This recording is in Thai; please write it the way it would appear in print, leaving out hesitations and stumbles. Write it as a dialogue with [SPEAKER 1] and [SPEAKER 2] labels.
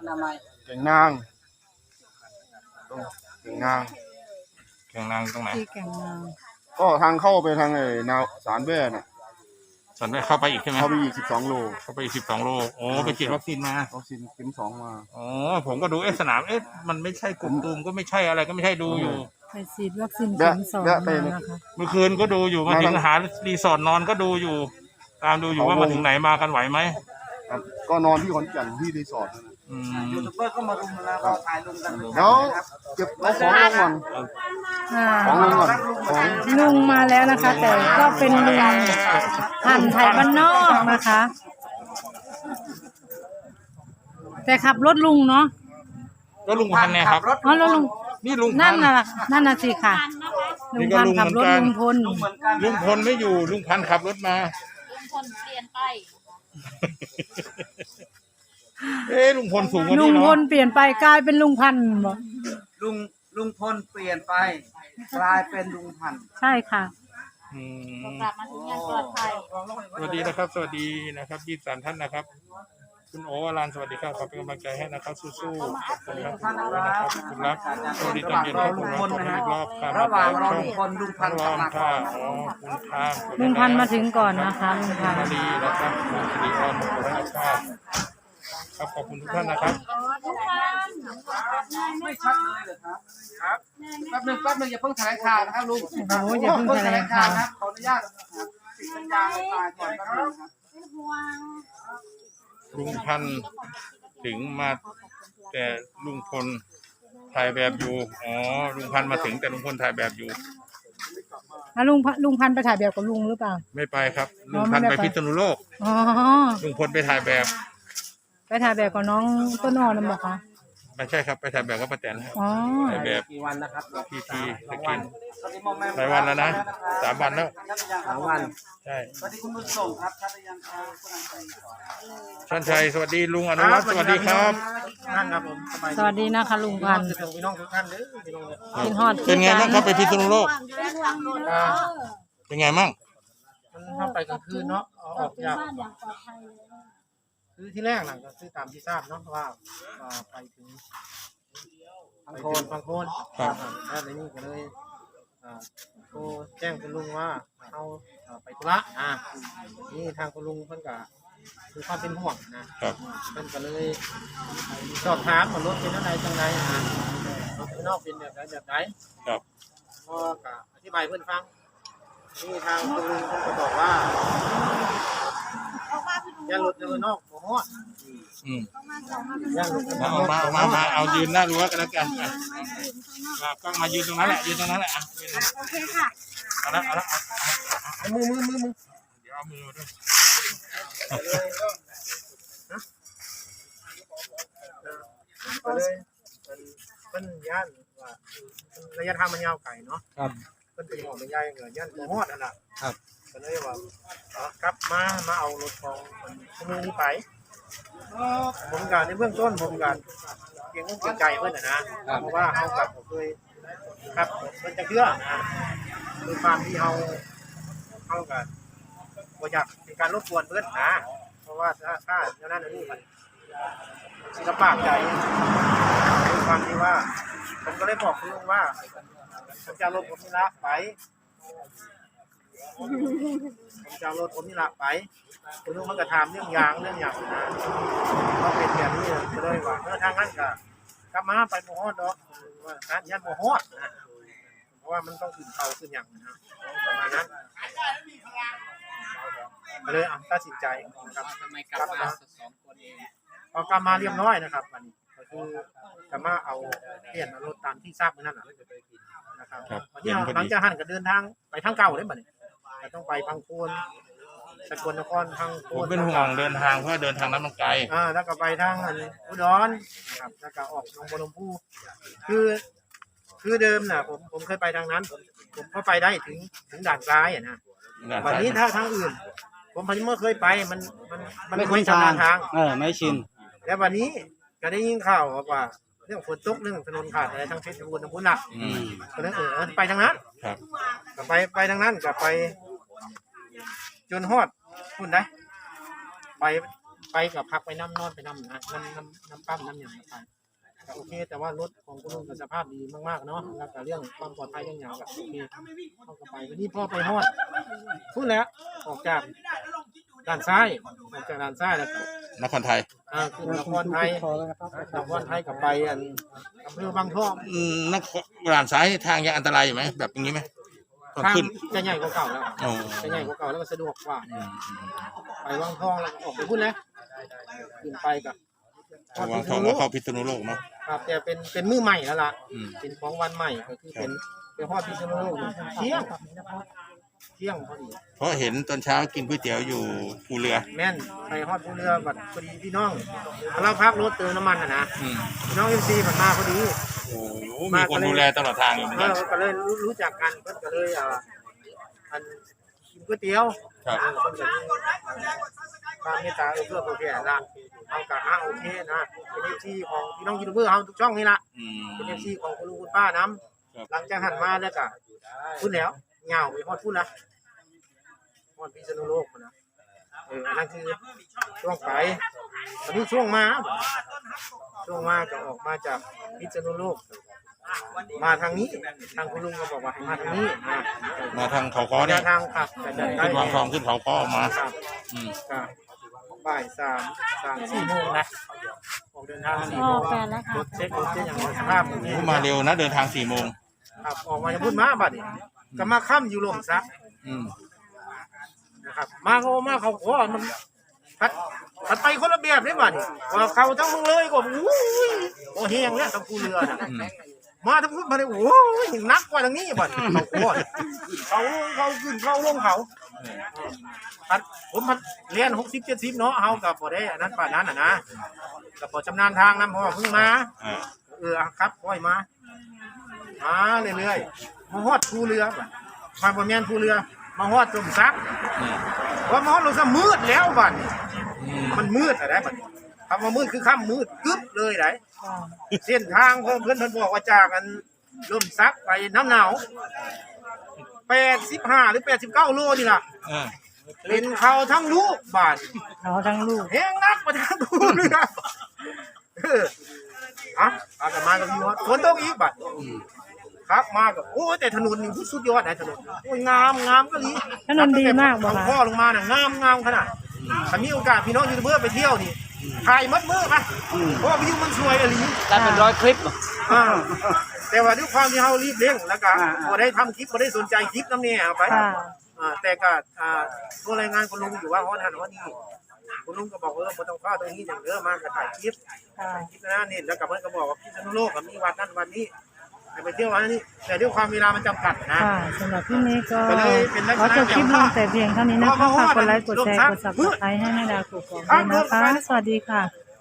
[SPEAKER 1] แก่งนางแก่งนาง
[SPEAKER 2] ตรงไหน
[SPEAKER 3] ที่แก่งนาง
[SPEAKER 1] ก็ทางเข้าไปทางไอ้นาวสารแว่น่ะ
[SPEAKER 2] สันได้เข้าไปอีกใช่ไหม
[SPEAKER 1] เข้าไปอีก12 โล
[SPEAKER 2] เข้าไปอีก12 โลโอ้ไปฉีดวัคซีนมา
[SPEAKER 1] วัคซีนเข็ม 2มา
[SPEAKER 2] อ๋อผมก็ดูสนามมันไม่ใช่กลุ่มตูมก็ไม่ใช่อะไรก็ไม่ใช่ดูอยู่
[SPEAKER 3] ไปฉีดวัคซีนเข็ม 2มานะคะ
[SPEAKER 2] เมื่อคืนก็ดูอยู่มาถึงหารีสอร์ทนอนก็ดูอยู่ตามดูอยู่ว่ามาถึงไหนมากันไหวไหม
[SPEAKER 1] ครับก็นอนที่ขอนแก่นที่รีสอร์ท
[SPEAKER 4] ยูทูบเบอร์ก็มารุมแล้วก็ถ่ายลงกัน
[SPEAKER 1] แล้วเก็บของลงก่อนของลงก่อน
[SPEAKER 3] ลุงมาแล้วนะคะแต่ก็เป็นลุงหันไทยบ้านนอกนะคะแต่ขับรถลุงเนาะ
[SPEAKER 2] รถลุงพันเนี่ยครับ
[SPEAKER 3] อ๋อรถลุง
[SPEAKER 2] นี่ลุง
[SPEAKER 3] นั่นน่ะสิค่ะลุงพันขับรถลุงพล
[SPEAKER 2] ไม่อยู่ลุงพันขับรถมา
[SPEAKER 5] ลุงพลเปลี่ยนไป
[SPEAKER 2] ลุงพลสูงกว่านี้เนาะ
[SPEAKER 3] ลุงพลเปลี่ยนไปกลายเป็นลุงพันบอก
[SPEAKER 4] ลุงพลเปลี่ยนไปกลายเป็นลุงพัน
[SPEAKER 3] ใช่ค่ะ
[SPEAKER 5] กลับมาถึงอย่างปลอดภัย
[SPEAKER 2] สวัสดีนะครับสวัสดีนะครับ23 ท่านนะครับคุณโอวรานสวัสดีครับขอเป็นกำลังใจให้นะครับสู้ๆขอบคุณครับคุณรักสวัสดีตอนเย็นครับคุณรักขอบคุณอีกรอบครับ
[SPEAKER 4] ระหว่างรอลุงพลลุงพัน
[SPEAKER 2] รอค่ะคุณข้าม
[SPEAKER 3] ลุงพันมาถึงก่อนนะคะลุงพัน
[SPEAKER 2] ดีนะครับคุณสิริออนคุณรักครับครับขอบคุณทุกท่านนะครับ
[SPEAKER 4] ไม่ชัดเลยเหรอครับแป๊บนึงอย่าเพิ่งแถลงข่าวนะครับลุง
[SPEAKER 3] โอ้อย่าเพิ่งแถลงข่าว
[SPEAKER 4] ครับขออนุญาตปิดสัญญาณก่อนแป๊บนึงครับ
[SPEAKER 2] ลุงพันถึงมาแต่ลุงพลถ่ายแบบอยู่อ๋อลุงพันมาถึงแต่ลุงพลถ่ายแบบอยู่
[SPEAKER 3] ลุงพันไปถ่ายแบบกับลุงหรือเปล่า
[SPEAKER 2] ไม่ไปครับลุงพันไปพิษณุโลก
[SPEAKER 3] อ๋อ
[SPEAKER 2] ลุงพลไปถ่ายแบบ
[SPEAKER 3] กับน้องต้นอ้อนั่นบอกคะ
[SPEAKER 2] ไม่ใช่ครับไปถ่ายแบบกับป้าแตน
[SPEAKER 3] อ๋อ
[SPEAKER 2] ถ่ายแบบ
[SPEAKER 4] กี่วันนะครับ
[SPEAKER 2] พีสกินหลายวันแล้วนะ3 วันแล้ว
[SPEAKER 4] 3 วัน
[SPEAKER 2] ใช่
[SPEAKER 4] สวัสดีคุณบุญส่งครับชัดยัง
[SPEAKER 2] ชันชัยสวัสดีลุงอนุรักษ์สวัสดีครับ
[SPEAKER 4] ท่านครับผม
[SPEAKER 3] สวัสดีนะคะลุงพันธุ์
[SPEAKER 4] พี่น้องทุกท่านเลย
[SPEAKER 3] กินฮอด
[SPEAKER 2] เป็นไงบ้างครับไปพิษณุโลกเป็นไงมั่ง
[SPEAKER 4] มันเข้าไปกลางคืนเนาะออกจากคือที่แรกน่ะก็คือตามที่ทราบเนาะว่าไปถึงบางโคนครับแล้วในนี้ก็เลยโทรแจ้งคุณลุงว่าเอาไปธุระนี่ทางคุณลุงเพิ่นก็คือความเป็นห่วงนะครับเพิ่นก็เลยสอบถามว่ารถเป็นอะไรจังไรรถข้างนอกเป็นแบบไหน
[SPEAKER 2] ครับ
[SPEAKER 4] ก็อธิบายเพิ่นฟังนี่ทางคุณลุงเพิ่นก็บอกว่าย่ารถข้างนอกบ่ฮอดย่ารถ
[SPEAKER 2] มาเอายืนหน้ารั้วกันแล้วกันก็มายืนตรงนั้นแหละ
[SPEAKER 5] โอเคค่ะ
[SPEAKER 2] เอามือเดี๋ยวเอามือด้วย
[SPEAKER 4] เป็นย่านว่าระยะทางมันยาวไกลเนาะ
[SPEAKER 2] ครับ
[SPEAKER 4] เป็นหอดเป็นใหญ่เหมือนย่านบ่ฮอดนั่นน่ะครับก็เลยว่ากลับมาเอารถของคนนี้ไปผมการในเบื้องต้นผมการเพียงต้องเกรงใจเพื่อนนะเพราะว่าเขากับผมเคยครับมันจะเชื่อคือความที่เขากันบ่อยากเป็นการรบกวนเพื่อนนะเพราะว่าถ้าเจ้าหน้าที่มันศิลปะใจคือความที่ว่าผมก็เลยบอกคุณลุงว่าผมจะรถผมนี่ละไปคุณลุงมันก็ถามเรื่องอย่างนะเขาเป็นแบบนี้เลยว่าทางนั้นก็กลับมาไปโมฮอดเนาะว่าการยันโมฮอดนะเพราะว่ามันต้องขึ้นเขาขึ้นอย่างนะประมาณนั้นเลยตัดสินใจนะครับกลับมา2 คนเองพอกลับมาเรียบร้อยนะครับวันนี้ก็คือกลับมาเอาเปลี่ยนรถตามที่ทราบเมื่อนั้นนะครับวันนี้หลังจากหันก็เดินทางไปทางเก่าเลยบัดนี้ต้องไปพังโคนสกลนครทาง
[SPEAKER 2] ผมเป็นห่วงเดินทางเพราะเดินทางนั้นมันไกล
[SPEAKER 4] แล้วก็ไปทางอุดรนะครับแล้วก็ออกลงบนลำพูคือเดิมน่ะผมเคยไปทางนั้นผมก็ไปได้ถึงด่านซ้ายนะวันนี้ถ้าทางอื่นผมไม่เคยไปมันไม่ชำนาญทาง
[SPEAKER 1] ไม่ชิน
[SPEAKER 4] แล้ววันนี้ก็ได้ยินข่าวว่าเรื่องฝนตกเรื่องถนนขาดอะไรทั้งเพชรบูรณ์ทั้งพุทธะก็เลยไปทางนั้นก็ไปทางนั้นก็ไปจนฮอดพุ่นได้ไปไปกับพักไปน้ำนอนไปน้ำนะน้ำปั้มน้ำอย่างไปก็โอเคแต่ว่ารถของคุณลุงก็สภาพดีมากๆเนาะแล้วก็เรื่องความปลอดภัยอย่างก็โอเคเข้ากับไปวันนี้พ่อไปฮอดพูดแล้วออกจากด้านซ้ายแล้วก็
[SPEAKER 2] นครไทย
[SPEAKER 4] คือนครไทยกับไปอำเภอบางท่อ
[SPEAKER 2] นครด่านซ้ายทางยังอันตรายอยู่ไหมแบบอย่างนี้ไหมตอน
[SPEAKER 4] ทาง
[SPEAKER 2] ขึ้น
[SPEAKER 4] จะใหญ่กว่าเก่าแล้ว
[SPEAKER 2] อ๋อ
[SPEAKER 4] จะใหญ่กว่าเก่าแล้วก็สะดวกกว่าไปวังทองแล้วก็ออกไปพูดแล้วขึ้นไปกับ
[SPEAKER 2] วางทองแล้วเข้าพิษณุโลกเนาะ
[SPEAKER 4] ครับแต่เป็นมือใหม่แล้วล่ะ
[SPEAKER 2] อืม
[SPEAKER 4] เป็นของวันใหม่ก็คือเป็นฮอดพิษณุโลกเที่ยงพอดี
[SPEAKER 2] เพราะเห็นตอนเช้ากินก๋วยเตี๋ยวอยู่ภูเรือ
[SPEAKER 4] แม่นไปฮอดภูเรือบัดพอดีพี่น้องเราพักรถเติมน้ำมันนะ
[SPEAKER 2] อืม
[SPEAKER 4] พี่น้องMCมันมาพอดี
[SPEAKER 2] โอ้โหมีคนดูแลตลอดทางอยู่เหมือนกัน
[SPEAKER 4] ก็เลยรู้จักกันเพิ่นก็เลยอันกินก๋วยเตี๋ยว
[SPEAKER 2] ครับ
[SPEAKER 4] เพิ่นก็มีความเมตตาเพื่อเพื่อนละเอากะโอเคนะเป็น FC ของพี่น้องยูทูบเบอร์เฮาทุกช่องนี่ล่ะ
[SPEAKER 2] อืม
[SPEAKER 4] เป็น FC ของคุณลุงคุณป้านํ
[SPEAKER 2] ครับ
[SPEAKER 4] หลังจากหันมาแล้วก็พูดแล้วเหงาไปฮอดพูดละฮอดพิษณุโลกพุ่นนะอันนั้นคือช่วงไปตอนนี้ช่วงมาก็ออกมาจากพิษณุโลกมาทางนี้ทางคุณลุงก็บอกว่าให้มาทางนี้นะ
[SPEAKER 2] มาทางเขาค้อเนี่ย
[SPEAKER 4] ทางครับแต่จะได้
[SPEAKER 2] ขึ้นวางทองขึ้นเขาค้อออกมา
[SPEAKER 4] ครับ
[SPEAKER 2] อืม
[SPEAKER 4] ก็บ่าย4 โมงนะออกเดินทาง4
[SPEAKER 3] อ
[SPEAKER 4] โม
[SPEAKER 3] อง กกันแล้วค่ะ
[SPEAKER 4] รถเช็คอย่างสภาพอย่างนี้
[SPEAKER 2] มาเร็วนะเดินทาง4 โมง
[SPEAKER 4] ครับออกมาจะพูดมาบัดนี้ก็มาค่ำอยู่ลมซัก
[SPEAKER 2] อืม
[SPEAKER 4] นะครับมาเขาขอมันพัดไปคนละแบบเลยบัดนี้ว่าเขาทั้งมึงเลยก็โอ้เฮียงแล้วทั้งกูเรือน่ะ
[SPEAKER 2] อืม
[SPEAKER 4] มาทั้งพูดมาเลยโอ้ยนักกว่าทางนี้บัดเขาขอเขาขึ้นเขาลงเขาผมเรียน60-70เนาะเฮากับบ่ได้อันนั้นป่านนั้นนะกับบ่ชำนาญทางนำเพราะว่าเพิ่งมา ครับค่อยมาเรื่อยๆมาฮอดภูเรือมาบ่แม่นภูเรือมาฮอดต้มซัก
[SPEAKER 2] อืม
[SPEAKER 4] พอมาฮอดลงซะมืดแล้วบัดนี้
[SPEAKER 2] อืม
[SPEAKER 4] มันมืดอะไรบัดนี้คำว่ามืดคือค่ำมืดกึ๊บเลยได้เส้นทางเพิ่นบอกว่าจากอันล่มซักไปน้ำหนาว85หรือ89โลนี่ล่ะ
[SPEAKER 2] เออ
[SPEAKER 4] เป็นเขาทั้งลูกบาด
[SPEAKER 3] เขาทั้งลูก
[SPEAKER 4] แฮงนักมาทางภูเรือเอากลับมากับพี่ฮอดฝนตกอีกบัด ครับมากับโอ้แต่ถนนนี่สุดยอดนะถนนโอ้ยงามก็ดี
[SPEAKER 3] ถนนดีมากบ่
[SPEAKER 4] ทาง
[SPEAKER 3] คะ
[SPEAKER 4] พ่อลงมาน่ะงามขนาดถ้ามีโอกาสพี่น้องยูทูบเบอร์ไปเที่ยวนี่ถ่ายมัดมือไปเพราะว่าวิวมันสวยอะไรนี้
[SPEAKER 1] ได้เป็น100 คลิป
[SPEAKER 4] แต่ว่าด้วยความที่เฮารีบเร่งแล้วก็บ่ได้ทำคลิปบ่ได้สนใจคลิปนำเนี่ยเอาไป
[SPEAKER 3] ค่ะ
[SPEAKER 4] แต่ก็ตัวรายงานคุณลุงอยู่ว่าฮอดหันฮอดนี่คุณลุงก็บอกบ่ต้องพลาดตรงนี้อย่างเด้อมาก็ถ่ายคลิป
[SPEAKER 3] ค่ะ
[SPEAKER 4] นะนี่แล้วก็เพิ่นก็บอกว่าพิษณุโลกมีวัดนั้นวันนี้ไปเที่ยววันนี้แต่ด้วยความเวลามันจำกัดนะ
[SPEAKER 3] ค่ะสำหรับที่นี้ก็
[SPEAKER 4] ก็เลยเป็นลักษ
[SPEAKER 3] ขอ
[SPEAKER 4] ณะ
[SPEAKER 3] จบคลิปลงแต่เพียงเท่านี้นะคะ
[SPEAKER 4] เพราะว่า
[SPEAKER 3] ฝากกดไลค์กดแชร์กด subscribe ให้แม่ดาวกดกอกด้วยนะคะ สวัสดีค่ะ